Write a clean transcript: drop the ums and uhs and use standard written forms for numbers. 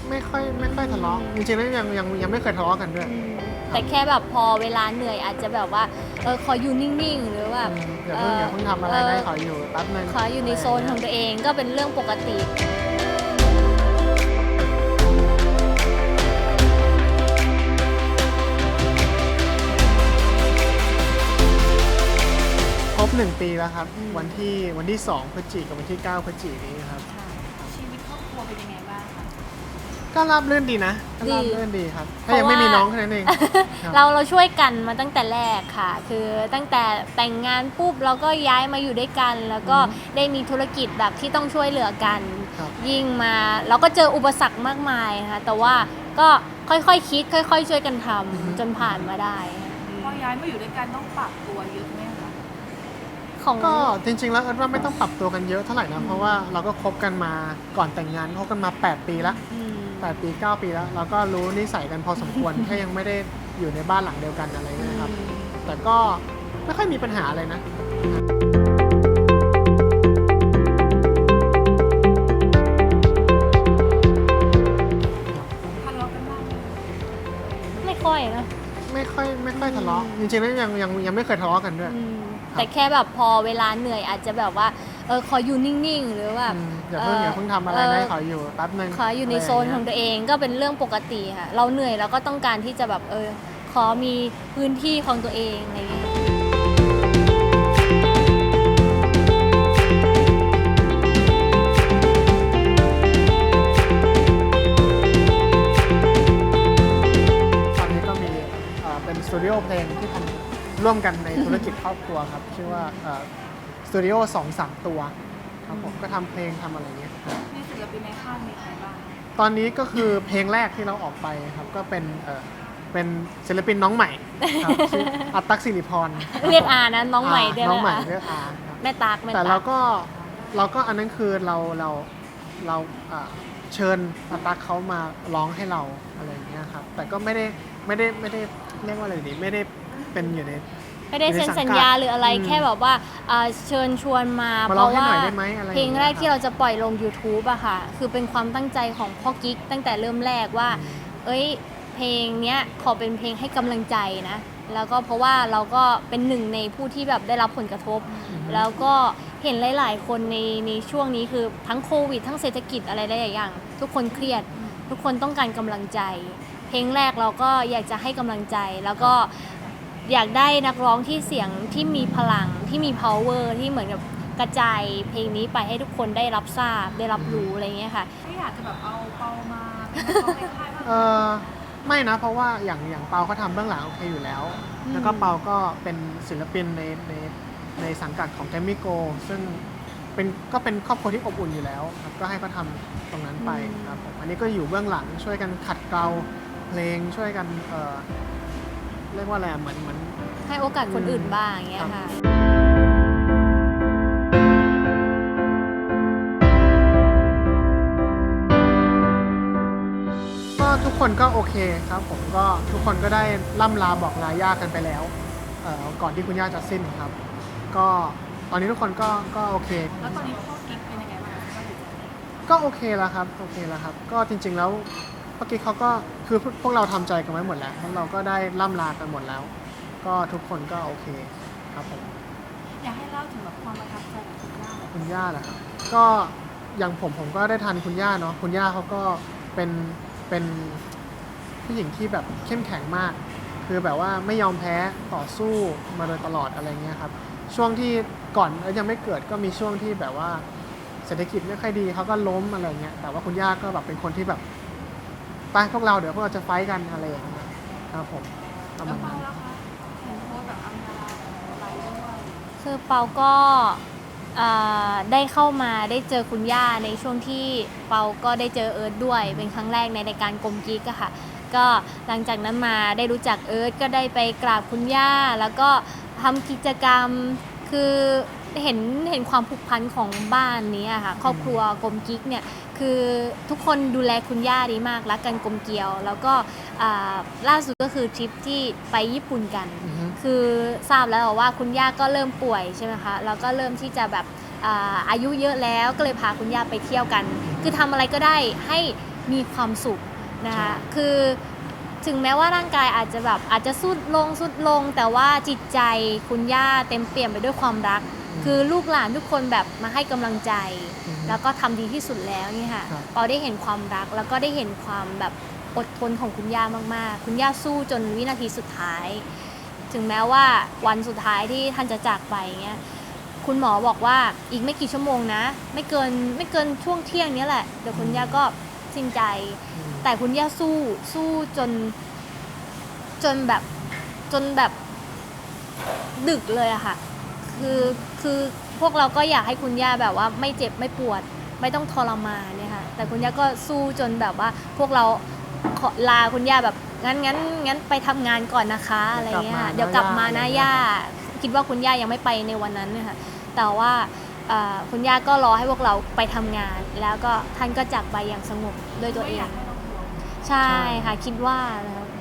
ไม่ค่อยทะเลาะจริงๆแล้วยังไม่เคยทะเลาะกันด้วยแต่แค่แบบพอเวลาเหนื่อยอาจจะแบบว่าขออยู่นิ่งๆหรือว่าอย่าเพิ่งทำอะไรนะขออยู่แป๊บนึงขออยู่ในโซนของตัวเองก็เป็นเรื่องปกติครบ1 ปีแล้วครับวันที่2 พฤศจิกายนกับวันที่9 พฤศจิกายนนี้ครับชีวิตครอบครัวเป็นยังไงบ้างคะก็ราบรื่นดีนะก็ราบรื่นดีครับถ้ายังไม่มีน้องแค่นั้นเองเราช่วยกันมาตั้งแต่แรกค่ะคือตั้งแต่แต่งงานปุ๊บเราก็ย้ายมาอยู่ด้วยกันแล้วก็ได้มีธุรกิจแบบที่ต้องช่วยเหลือกันยิ่งมาเราก็เจออุปสรรคมากมายค่ะแต่ว่าก็ค่อยๆคิดค่อยๆช่วยกันทำจนผ่านมาได้พอย้ายมาอยู่ด้วยกันต้องปรับตัวเยอะไหมคะก็จริงๆแล้วว่าไม่ต้องปรับตัวกันเยอะเท่าไหร่นะเพราะว่าเราก็คบกันมาก่อนแต่งงานคบกันมา8 ปีแล้ว8 ปี 9 ปีแล้วเราก็รู้นิสัยกันพอสมควร แค่ยังไม่ได้อยู่ในบ้านหลังเดียวกันอะไรเงี้ยครับแต่ก็ไม่ค่อยมีปัญหาอะไรนะทะเลาะกันบ้างไหมไม่ค่อยนะไม่ค่อยทะเลาะจริงๆแล้วยังไม่เคยทะเลาะกันด้วยแต่แค่แบบพอเวลาเหนื่อยอาจจะแบบว่าขออยู่นิ่งๆหรือว่าอย่าเพิ่งทำอะไรนะขออยู่แป๊บนึงขออยู่ในโซนของตัวเองก็เป็นเรื่องปกติค่ะเราเหนื่อยแล้วก็ต้องการที่จะแบบขอมีพื้นที่ของตัวเองอะไรอย่างเงี้ยตอนนี้ก็มีเป็นสตูดิโอเพลงที่ทำร่วมกันในธุรกิจครอบครัวครับชื่อว่าสตูดิโอ2-3 ตัวครับผมก็ทำเพลงทำอะไรเงี้ยมีศิลปินในค่ายมีใครบ้างตอนนี้ก็คือเพลงแรกที่เราออกไปครับก็เป็นศิลปินน้องใหม่ครับชื่ออัตตักสิริพรเรียกอานะน้องใหม่ได้ไหมน้องใหม่เรียกอาแม่ตากแต่เราก็อันนั้นคือเราเชิญอัตตักเขามาร้องให้เราอะไรอย่างเงี้ยครับแต่ก็ไม่ได้เรียกว่าอะไรดีไม่ได้เป็นอยู่ในไม่ได้เซ็นสัญญาหรืออะไรแค่แบบว่าเชิญชวนมาเพราะว่าเพลงแรกที่เราจะปล่อยลง YouTube อะค่ะคือเป็นความตั้งใจของพ่อกิ๊กตั้งแต่เริ่มแรกว่าเพลงเนี้ยขอเป็นเพลงให้กำลังใจนะแล้วก็เพราะว่าเราก็เป็นหนึ่งในผู้ที่แบบได้รับผลกระทบแล้วก็เห็นหลายๆคนในช่วงนี้คือทั้งโควิดทั้งเศรษฐกิจอะไรหลายอย่างทุกคนเครียดทุกคนต้องการกำลังใจเพลงแรกเราก็อยากจะให้กำลังใจแล้วก็อยากได้นักร้องที่เสียงที่มีพลังที่มี power ที่เหมือนกับกระจายเพลงนี้ไปให้ทุกคนได้รับทราบได้รับรู้อะไรเงี้ยค่ะไม่อยากจะแบบเอาเปามาเป็นนักร้องในค่ายบ้างไม่นะเพราะว่าอย่างเปาเขาทำเบื้องหลังโอเคอยู่แล้วแล้วก็เปาก็เป็นศิลปินในสังกัดของแกรมมี่โกซึ่งก็เป็นครอบครัวที่อบอุ่นอยู่แล้วครับก็ให้เขาทำตรงนั้นไปครับผมอันนี้ก็อยู่เบื้องหลังช่วยกันขัดเกลาเพลงช่วยกันเรียกว่าอะไรเหมือนให้โอกาสคนอื่นบ้างอย่างเงี้ยค่ะก็ทุกคนก็โอเคครับผมก็ทุกคนก็ได้ล่ำลาบอกลาย่ากันไปแล้วก่อนที่คุณย่าจะสิ้นครับก็ตอนนี้ทุกคนก็โอเคแล้วตอนนี้พ่อกิ๊กเป็นยังไงบ้างก็โอเคแล้วครับก็จริงๆแล้วเมื่อกี้เขาก็คือพวกเราทำใจกันไว้หมดแล้วพวกเราก็ได้ล่ำลากันหมดแล้วก็ทุกคนก็โอเคครับผมอยากให้เล่าถึงแบบความประทับใจของคุณย่าเหรอครับก็อย่างผมก็ได้ทันคุณย่าเนาะคุณย่าเขาก็เป็นผู้หญิงที่แบบเข้มแข็งมากคือแบบว่าไม่ยอมแพ้ต่อสู้มาโดยตลอดอะไรเงี้ยครับช่วงที่ก่อนยังไม่เกิดก็มีช่วงที่แบบว่าเศรษฐกิจไม่ค่อยดีเขาก็ล้มอะไรเงี้ยแต่ว่าคุณย่าก็แบบเป็นคนที่แบบไปพวกเราเดี๋ยวพวกเราจะไฟท์กันอะไรอย่างเงี้ยครับผมแล้วเปาล่ะคะเห็นโพสแบบอัมดาอะไรด้วยคือเปาก็ได้เข้ามาได้เจอคุณย่าในช่วงที่เปาก็ได้เจอเอิร์ธด้วยเป็นครั้งแรกในรายการกลมกิ๊กอะค่ะก็หลังจากนั้นมาได้รู้จักเอิร์ธก็ได้ไปกราบคุณย่าแล้วก็ทำกิจกรรมคือเห็นความผูกพันของบ้านนี้อะค่ะครอบครัวกลมกิ๊กเนี่ยคือทุกคนดูแลคุณย่าดีมากรักกันกลมเกลียวแล้วก็ล่าสุดก็คือทริปที่ไปญี่ปุ่นกันคือทราบแล้วว่าคุณย่าก็เริ่มป่วยใช่ไหมคะแล้วก็เริ่มที่จะแบบอายุเยอะแล้วก็เลยพาคุณย่าไปเที่ยวกันคือทำอะไรก็ได้ให้มีความสุขนะคะใช่คือถึงแม้ว่าร่างกายอาจจะแบบอาจจะสุดลงแต่ว่าจิตใจคุณย่าเต็มเปี่ยมไปด้วยความรัก คือลูกหลานทุกคนแบบมาให้กำลังใจ แล้วก็ทำดีที่สุดแล้วนี่ค่ะครับปอได้เห็นความรักแล้วก็ได้เห็นความแบบอดทนของคุณย่ามากๆ คุณย่าสู้จนวินาทีสุดท้าย ถึงแม้ว่าวันสุดท้ายที่ท่านจะจากไปเงี้ยคุณหมอบอกว่าอีกไม่กี่ชั่วโมงนะ ไม่เกินช่วงเที่ยงนี้แหละเดี๋ยวคุณย่าก็สิ้นใจ แต่คุณย่าสู้จนแบบดึกเลยอะค่ะ คือพวกเราก็อยากให้คุณย่าแบบว่าไม่เจ็บไม่ปวดไม่ต้องทรมานเนี่ยค่ะ แต่คุณย่าก็สู้จนแบบว่าพวกเราขอลาคุณย่าแบบงั้นไปทำงานก่อนนะคะอะไรเงี้ยค่ะเดี๋ยวกลับมานะย่าคิดว่าคุณย่ายังไม่ไปในวันนั้นเนี่ยค่ะแต่ว่าคุณย่าก็รอให้พวกเราไปทำงาน แล้วก็ท่านก็จากไปอย่างสงบด้วยตัวเอง ใช่ค่ะคิดว่านะครับ